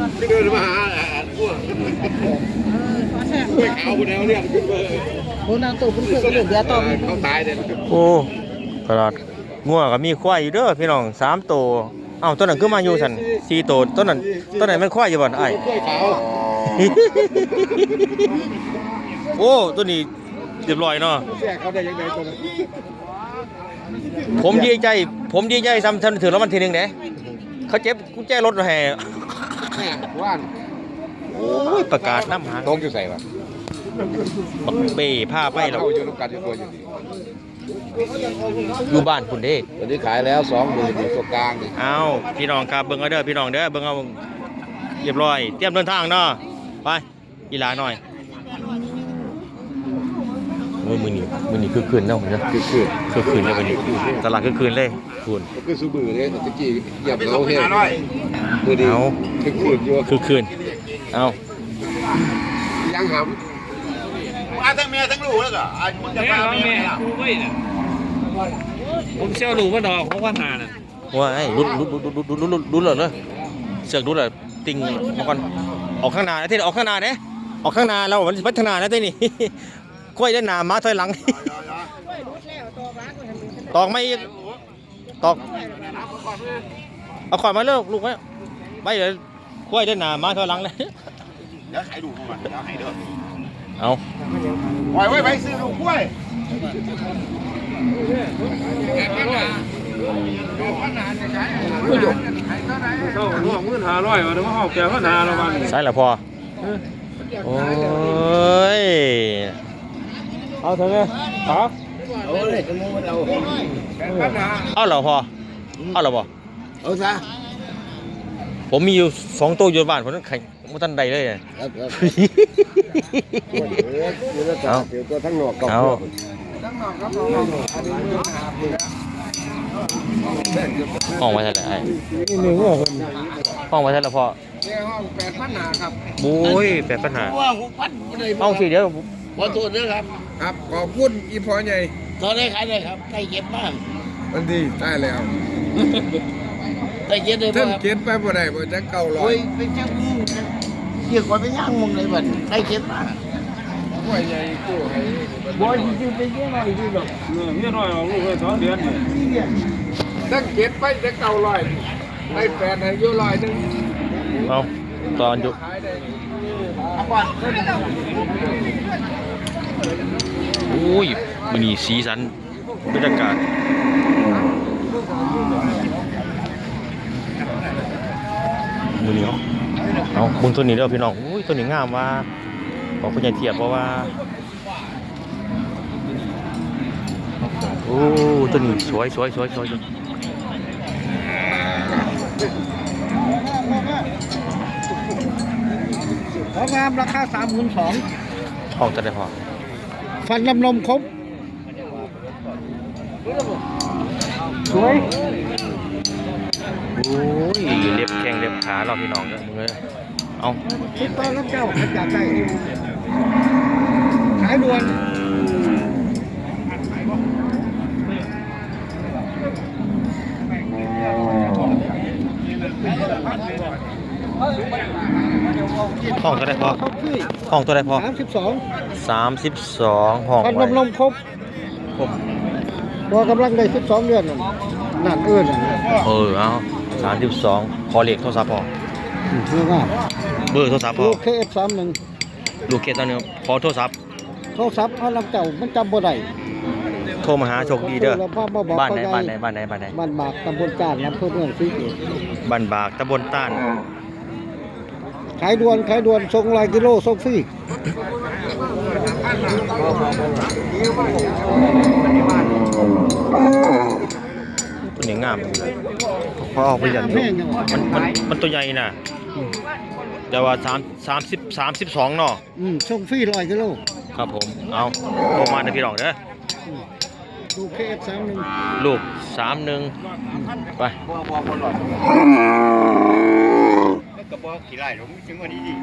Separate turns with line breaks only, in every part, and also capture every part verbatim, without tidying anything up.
ที่เดินมาหาอาหารพวกกล้วยขาวคนแนวเนี่ยขึ้นมาโอ้นางตัวเป็นเพื่อนเรื่องเดียวต่อเขาตายเลย
โอ้ตลาดงัวก็มีควายอยู่เด้อพี่น้องสามตัวเอ้าต้นนั้นคือมาอยู่สันสี่ตัวต้นนั้นต้นไหนมันควายอยู่บ่ไอ้
กล้วยขาว
โอ้ตัวนี้เรียบร้อยเนาะ
แช่เขาได้ยังไงตัวนั้น
ผมดีใจผมดีใจซ้ำถึงแล้วมันทีนึงเด้เขาเจ็บกุญแจรถแห่
ว่าน
โอ้ยประกาศน้ำหาง
ต้องอยู่ใส่ปะ
บักเป้ผ้าไปเรา
อยู่น้ำกันอยู่ตัวอยู่ดี
อยู่บ้านคุณเด้
ตอนนี้ขายแล้วสองหมื่นอยู่ตัวกลางนี่
เอาพี่น้องครับเบิ่งเอาเด้อพี่น้องเด้อเบิ่งเอาเรียบร้อยเตรียมเดินทางเนาะไปกีฬาหน่อยมือมือนี่มือนี่คือคืนเนาะเหมือนกัน
คือคืน
คือคืนเลยวันนี้ตลาดคือคืนเลยคุณ
ก็คือซูบือเลยตะกี้หยับเขาเฮ้ยมือดีคือคืนอยู่
คือคืนเอา
ยังหำอาทั้งเมียทั้งลูกแล้วก็อายุจะมาเมีย
กูไม่เนี่ยผมเชี่ยวลูกว่าดอกเพราะว่าหาน่ะ
ว่าไอ้รุดรุดรุดรุดรุดรุดรุดเลยเสือกรุดเลยติงมาก่อนออกข้างหน้าที่ออกข้างหน้าเนี่ยออกข้างหน้าเรามันพัฒนาแล้วที่นี่ค่อยได้หนามาถอยหลังตอกไม่ตอกเอาขวานมาเลิกลูกไว้ไม่เดี๋ยวค่อยได้หนามาถอยหลังเลย
เดี๋ยวให้ดูก่อนเดี๋ยวให้เด้อ
เอา
ปล่อยไว้ไปซื้อลูกกล้วย
เขาห่วงเงินหาร้อยวันนี้ว่าเขาแก่ก็นาละวัน
ใช่หรอพอโอ้ย
เอาเถอะเนี่ยครับ
เอาเลยจะงูเรา
เอาเหรอพอเอาเหรอพอ
เอาซะ
ผมมีอยู่สองตัวอยู่บ้านผมต้องแข่งมุตันใดเลย
เอาเดี๋ยวตัวทั้งหนวกกับ
เอาห้องไว้เท่าไหร่ห้องไว้เท่าไหร่พ่อ
ห้องแปดพันหาครับ
โอ้ยแปดพันหาห้องสี่เดียว
ขอโทษด้วยครับครับขอบคุณอีพอใหญ่
ตอนนี้ขายได้ครับได้เก็บบ้าง
มันดีได้แล้ว
ได้เก็บได้
บ้างเก็บไปบ่ได้บ่จะเก่าลอย
เป็นเจ้ามือเกี่ยวกับไปย่างมุงเลยบัดได้เก็บบ้าง
บ่ใหญ่กู้ให้
บ่จริงๆเป็นเยอะหน่อยดีหรอก
เงี้ยน้อยออกลูกเลยสองเดือนเนี่ย
ตั้งเก็บไปจะเก่าลอยได้แปดให้อยู่ลอยนึง
เอาตอนอยู่โอ้ยมันนี่สีสันบรรยากาศมือนี้เอาเอาบุญตัวนี้เด้อพี่น้องโอ้ยตัวนี้งามว่าบอกคุณยายเทียบเพราะว่าโอ้ตัวนี้สวยสวยสวยสวย
ของงามราคาสามหมื่นสอง
ห้องจะได้พอ
ฟันลำนมครบสวย
โอ้ยเล็บแข้งเล็บขาเราพี่น้องเด้อมึงเลยเอา
คิดตอนรับเจ้าอยากได้ขายด่วน
ห้องตัวใดพอห้องตัวใดพอ
สามสิบสอง
สามสิบสองห้อง
ฟันลำนมครบ
ครบ
ตัวกำลังได้สิบสองเดือนนั่นเอื้อน
เออเอาสามสิบสองขอเลขโทรศัพท์พอเบอร์โทรศัพท์พอ
ลูกเคเอฟสามหนึ่ง
ลูกเคสตอนนี้ขอโทรศัพท์
โทรศัพท์เขาลำเจ้ามันจำบ่ได้
โทรมาหาโชคดีเด้อบ้านไหนบ้านไหนบ้านไหนบ้านไหน
บ้านบากตำบลต้านอำเภอเมืองศรีสะเกษ
บ้านบากตำบลต้าน
ขายด่วนขายด่วนส่งรายกิโลส่งฟรี
ตัวนี้งามพอออกไปอย่างนี้มันมันมันตัวใหญ่น่ะแต่ว่าสามสามสิบสามสิบสองเนาะ
อืมส่งฟรีร้อยกิโล
ครับผมเอาโทรมาในพี่น้องเด้อ
ลูกเคเอฟสามหนึ่ง
ลูกสามหนึ่งไป
กระบอกขี่ไล่ผมจึงวันนี้ดี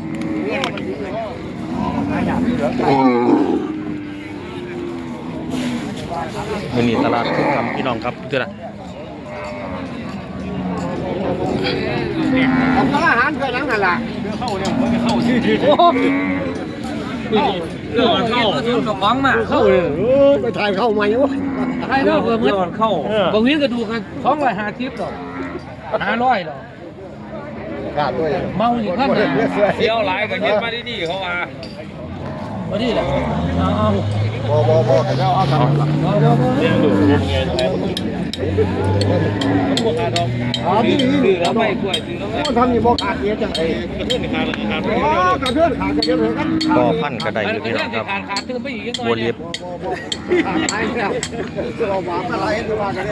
มันนี่ตลาดทุกคำพี่น้องครับเท่าไหร่
ผมก็อาหารเพื่อนหลังหัน
นล่ะ
เข้าเนี่ยมันจะเข้าชื่อชื่อ
โอ้
เข้าเรื่องเข้า
สมองมา
เข้าเลยไปถ่ายเข้าใหม่วะ
ใครเนาะเพิ่มเงินเข้าบางทีก็ดูกันสองร้อยห้าสิบดอกห้าร้อยดอก
ขาดด้วย
เมาอยู่ข้างหน้า
เที่ยวหลายกับยึดมาที่นี่เขาว่า
พอดีแหละเอา
บอบอบอแต่เจ้าเอาทำหลัก
เอาเอาเอา
เรียนดูรวมเงินอะไรมันบวกขาดอง
อ๋อที่นี่
ซื้อแล้วไม่กล้วยซื้อแล้วไม่
ทำนี่บอขาดเยอะจังเลย
กระเทือนขาดขาด
อ๋อกระเทือนขาดกระเทือนเลยกัน
ก็พันกระไดอยู่พี่น้องครับ
ขาดขาดขึ้นไปอีกหน่อย
บัวเรียบ
ขาดตายแล้วเราหวานอะไรที่ว่ากันเนี่ย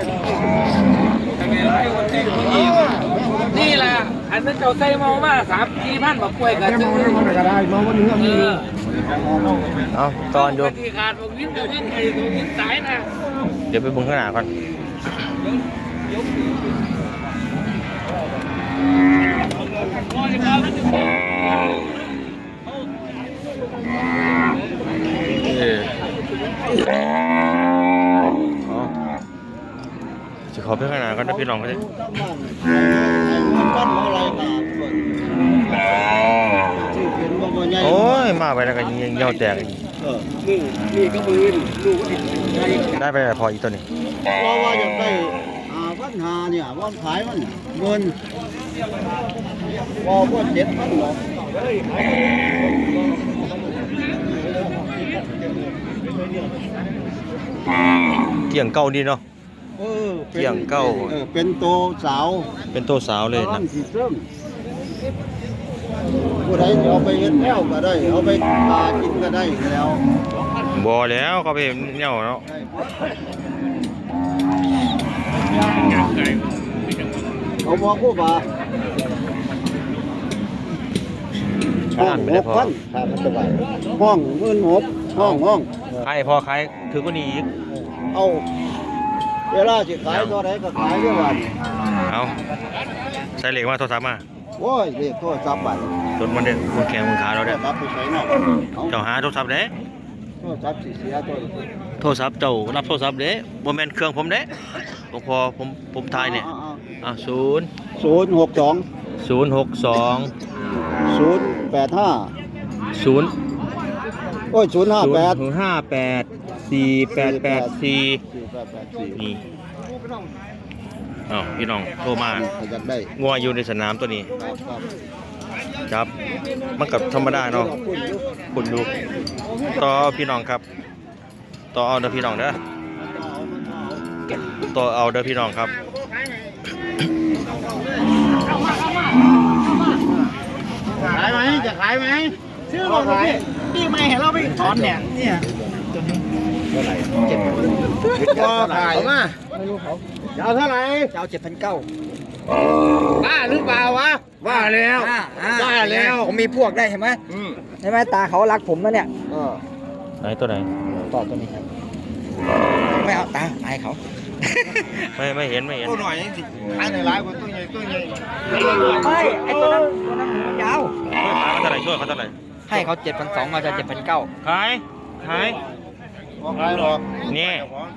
นี่แหละอันนั้นเจ้าใส่เมามาสามสี่พันบอกกล้วยกัน
แค่มองมันก็ได้มองวันนี้
เอ
มี
อ
เอาตอนอยู่
ที่ขาดบอกวิ่งกับวิ่งไอ้ตัววิ่งสายนะ
เดี๋ยวไปเบิ่งข้างหน้าก่อนเออเอาจะขอไปข้างหน้าก่อนนะพี่น้องเขาจะ
ปั้นอะไรมาชื่อเป็นว่าใหญ่
โอ้ยมาไปแล้วก็ยิงเหี่ยวแตกอีก
เออนี่นี่ก็ปืนลูกใหญ่
ได้ไปพออีกตัวนี้
ว่าว่าอยากได้หาพันหาเนี่ยว่าขายมันเงินว่าว่าเจ็ดพันหรอก
เกี่ยงเก่าดีเนาะ
เออ
เกี่ยงเก้า
เออเป็นโตสาว
เป็นตัวสาวเลยนะ
สีเส้มผู้ใดจะเอาไปเฮ็ดแนวก็ได้ เอาไปหากินก็ได้แล้ว
บอแล้วก็ไปเนี่ยเนาะ
เอามาคู่บ่าห้องหกพันถ้ามันจะไหวห้องหมื่นหกห้องห้อง
ใครพอใครถือก็นี่อีก
เอาเวลาสิขายตัวไหนก็ขายเรื่อยวัน
เอาใส่เหล็กมาโทรศัพท์มา
โอ้ยเรียกโทรศัพท์ไป
รถมันเด็ดมันแข็งมันขาเรา
โท
เด้
รศัพท์ไปใช้นอกเอา
เจ้าหาโทรศัพท์เด้
โทรศัพท์สิเสียตัว
โทรศัพท์เจ้ารับโทรศัพท์เด้บ่แม่นเครื่องผมเด้ผมพอผมผมถ่ายเนี่ยอ่ะศูนย์
ศูนย์หกสอง
ศูนย์หกสอง
ศูนย์แปดห้า
ศูนย์
โอ้ยศูนย์ห้า
ศูน
แปด
ย์ห้าแปดสี่แปดแปดสี่
สี่แปดแปดสี่
นี่อ้าวพี่น้องโทรมา
ขยันได้
งัวอยู่ในสนามตัวนี้
ครับครับ
ครับ มันกับธรรมดาเนาะ คุณดูต่อพี่น้องครับ ต่อเอาเด้อพี่น้องเด้อต่อเอาเด้อพี่น้องครับ
ขายไหมจะขายไหมซื้อรถพี่พี่ไม่เห็นเราไปถอนเนี่ยเนี่ย
ก็ขายมา
จะเอาเท่าไหร่
จะเอาเจ็ดพันเก้า
บ้าหรือเปล่าวะว่าแล้วว่าแล้ว
ผมมีพวกได้เห็นไหมใช่ไหมตาเขารักผมนะเนี่ย
ไหนตัวไหน
ต่อตัวนี้ไม่เอาตาอายเขา
ไม่ไม่เห็นไม่เห็น
ตัวหน่อยสิขายในร้านคนตัวใหญ่ตัวใหญ่ไม่ไอตัวนั้นตัวนั้นมันยาว
ช่วยเขาเท่าไหร่ช่วยเขาเท่าไหร่
ให้เขาเจ็ดพันสองมาจะเจ็ดพันเก้า
ขายขาย
ขายหรอก
นี่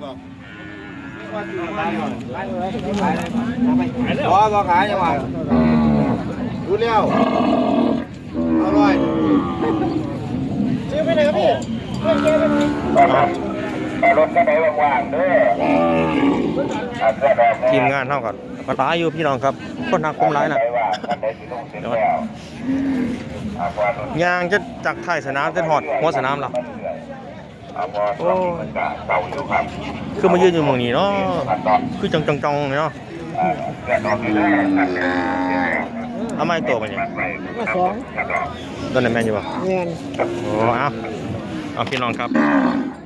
พอพอขายจังหวะดูเร็วอร่อยซื้อไปไหนครับพี่เพื่อนเจ๊ไปไหน
รถก็ได้ว่างๆเด้อเสื้อแดง
ทีมงานเท่ากันก็ตายอยู่พี่น้องครับคนหักคมร้ายนะ
ได้ว่าคันใดสิลงเสร็จแล้วอาพอรถ
ยางจะจากท้ายสนามจะหอดหัวสนามหรอ
อาพอรถมันก็เก่าอยู่ครับ
คือมายืนอยู่หมองนี้เนาะ
ขั้นตอน
คือจังจังจังเนาะ
เสื้อดอกนี่แหละคันเดียว
เอาไม้ตัวมาเนี่ย
ก็สองครับ
ตัวไหนแมนอยู่ป่ะ
เงิน
โอ้เอาเอาพี่น้องครับ